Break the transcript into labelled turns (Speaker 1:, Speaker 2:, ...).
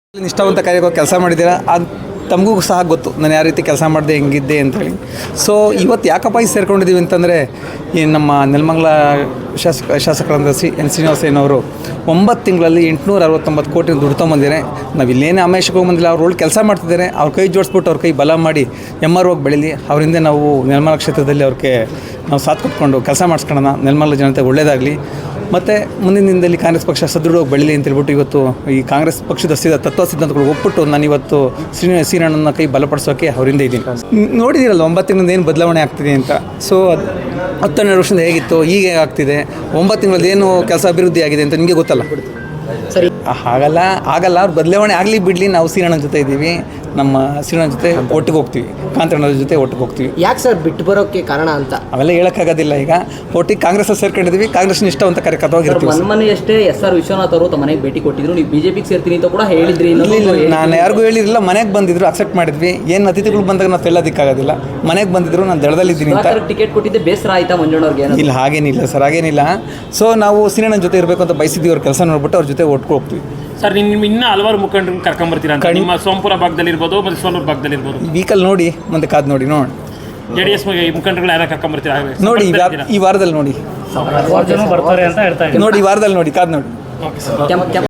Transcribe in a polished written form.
Speaker 1: ನಿಷ್ಠಾವಂತ ಕಾರ್ಯಕ್ಕೆ ಕೆಲಸ ಮಾಡಿದ್ದೀರಾ, ಅದು ತಮಗೂ ಸಹ ಗೊತ್ತು ನಾನು ಯಾವ ರೀತಿ ಕೆಲಸ ಮಾಡಿದೆ ಹೆಂಗಿದ್ದೆ ಅಂಥೇಳಿ. ಸೊ ಇವತ್ತು ಯಾಕಪ್ಪ ಈ ಸೇರ್ಕೊಂಡಿದ್ದೀವಿ ಅಂತಂದರೆ, ಈ ನಮ್ಮ ನೆಲಮಂಗಲ ಶಾಸಕರಾದ ಎನ್ ಶ್ರೀನಿವಾಸಯ್ಯನವರು 9 ತಿಂಗಳಲ್ಲಿ 869 ಕೋಟಿ ದುಡ್ಡು ತೊಗೊಂಬಂದಿದ್ದಾರೆ. ನಾವು ಇಲ್ಲೇನೇ ಆಮೇಶಕ್ಕೆ ಹೋಗಿ ಅವ್ರ ಒಳ್ಳೆ ಕೆಲಸ ಮಾಡ್ತಿದ್ದಾರೆ. ಅವ್ರ ಕೈ ಜೋಡಿಸ್ಬಿಟ್ಟು ಅವ್ರ ಕೈ ಬಲ ಮಾಡಿ ಹೋಗಿ ಬೆಳೀಲಿ. ಅವರಿಂದ ನಾವು ನೆಲಮಂಗಲ ಕ್ಷೇತ್ರದಲ್ಲಿ ಅವ್ರಿಗೆ ನಾವು ಸಾಥ್ ಕೊಟ್ಕೊಂಡು ಕೆಲಸ ಮಾಡಿಸ್ಕೊಳ್ಳೋಣ. ನೆಲಮಂಗಲ ಜನತೆಗೆ ಒಳ್ಳೆಯದಾಗಲಿ. ಮತ್ತು ಮುಂದಿನ ದಿನದಲ್ಲಿ ಕಾಂಗ್ರೆಸ್ ಪಕ್ಷ ಸದೃಢವಾಗಿ ಬೆಳೀಲಿ ಅಂತ ಹೇಳ್ಬಿಟ್ಟು ಇವತ್ತು ಈ ಕಾಂಗ್ರೆಸ್ ಪಕ್ಷದ ತತ್ವ ಸಿದ್ಧಾಂತಗಳು ಒಪ್ಪಿಟ್ಟು ನಾನು ಇವತ್ತು ಶ್ರೀರಣ್ಣನ ಕೈ ಬಲಪಡಿಸೋಕ್ಕೆ ಅವರಿಂದ ಇದ್ದೀನಿ. ನೋಡಿದ್ದೀರಲ್ಲ 9 ತಿಂಗಳಿಂದ ಏನು ಬದಲಾವಣೆ ಆಗ್ತಿದೆ ಅಂತ. ಸೊ 10-12 ವರ್ಷದಿಂದ ಹೇಗಿತ್ತು, ಈಗ ಆಗ್ತಿದೆ. 9 ತಿಂಗಳಲ್ಲಿ ಏನು ಕೆಲಸ ಅಭಿವೃದ್ಧಿ ಆಗಿದೆ ಅಂತ ನಿಮಗೆ ಗೊತ್ತಲ್ಲ.
Speaker 2: ಸರಿ,
Speaker 1: ಆಗಲ್ಲ ಅವ್ರು ಬದಲಾವಣೆ ಆಗಲಿ ಬಿಡಲಿ, ನಾವು ಶ್ರೀರಣ್ಣನ ಜೊತೆ ಇದ್ದೀವಿ. ನಮ್ಮ ಶ್ರೀರಣ್ಣನ ಜೊತೆ ಒಟ್ಟಿಗೆ ಹೋಗ್ತೀವಿ, ಕಾಂತಣ್ಣನ ಜೊತೆ ಒಟ್ಟಿಗೆ ಹೋಗ್ತೀವಿ.
Speaker 2: ಯಾಕೆ ಸರ್ ಬಿಟ್ಟು ಬರೋಕ್ಕೆ ಕಾರಣ ಅಂತ?
Speaker 1: ಅವೆಲ್ಲ ಹೇಳೋಕ್ಕಾಗೋದಿಲ್ಲ. ಈಗ ಒಟ್ಟಿಗೆ ಕಾಂಗ್ರೆಸ್ಸಲ್ಲಿ ಸೇರ್ಕೊಂಡಿದ್ದೀವಿ, ಕಾಂಗ್ರೆಸ್ ಇಷ್ಟವಂತ ಕಾರ್ಯಕರ್ತವಾಗಿರ್ತೀವಿ.
Speaker 3: ಮೊನ್ನೆಯಷ್ಟೇ SR ವಿಶ್ವನಾಥ್ ಅವರು ತಮ್ಮ ಮನೆಗೆ ಭೇಟಿ ಕೊಟ್ಟಿದ್ರು, ನೀವು ಬಿಜೆಪಿಗೆ ಸೇರ್ತೀನಿ ಅಂತ ಕೂಡ ಹೇಳಿದ್ರಿ.
Speaker 1: ನಾನು ಯಾರಿಗೂ ಹೇಳಿರಲಿಲ್ಲ. ಮನೆಗೆ ಬಂದಿದ್ರು, ಅಕ್ಸೆಪ್ಟ್ ಮಾಡಿದ್ವಿ. ಏನು ಅತಿಥಿಗಳು ಬಂದಾಗ ನಾವು ತೆಳ್ಳೋದಕ್ಕಾಗೋದಿಲ್ಲ. ಮನೆಗೆ ಬಂದಿದ್ರು, ನಾನು ದಳದಲ್ಲಿದ್ದೀನಿ ಅಂತ.
Speaker 3: ಟಿಕೆಟ್ ಕೊಟ್ಟಿದ್ದೆ ಬೇಸರ ಆಯ್ತಾ ಮಂಜಣ್ಣವ್ರಿಗೆ?
Speaker 1: ಇಲ್ಲ, ಹಾಗೇನಿಲ್ಲ ಸರ್, ಹಾಗೇನಿಲ್ಲ. ಸೊ ನಾವು ಶ್ರೀರಣ್ಣನ ಜೊತೆ ಇರಬೇಕು ಅಂತ ಬಯಸಿದ್ದೀವಿ. ಅವ್ರ ಕೆಲಸ ನೋಡ್ಬಿಟ್ಟು ಅವ್ರ ಜೊತೆ ಒಟ್ಟಿಗೆ ಹೋಗ್ತೀವಿ.
Speaker 4: ಸರ್, ನಿಮ್ಮ ಇನ್ನೂ ಹಲವಾರು ಮುಖಂಡರನ್ನು ಕರ್ಕೊಂಬರ್ತೀರಾ ಅಂತ ನಿಮ್ಮ ಸೋಂಪುರ ಭಾಗದಲ್ಲಿರ್ಬೋದು ಮತ್ತು ಸೋಲೂರು ಭಾಗದಲ್ಲಿರ್ಬೋದು.
Speaker 1: ವೀಕಲ್ ನೋಡಿ ಮುಂದೆ ಕಾದು ನೋಡಿ ನೋಡೋಣ.
Speaker 4: JDS ಮುಖಂಡರುಗಳು ಯಾರು ಕರ್ಕೊಂಬರ್ತೀರಾ
Speaker 1: ನೋಡಿ ಈ ವಾರದಲ್ಲಿ ನೋಡಿ.
Speaker 4: ಬರ್ತಾರೆ ಅಂತ ಹೇಳ್ತಾ
Speaker 1: ನೋಡಿ ಈ ವಾರದಲ್ಲಿ ನೋಡಿ, ಕಾದು ನೋಡಿ.
Speaker 3: ಕೆಂಪ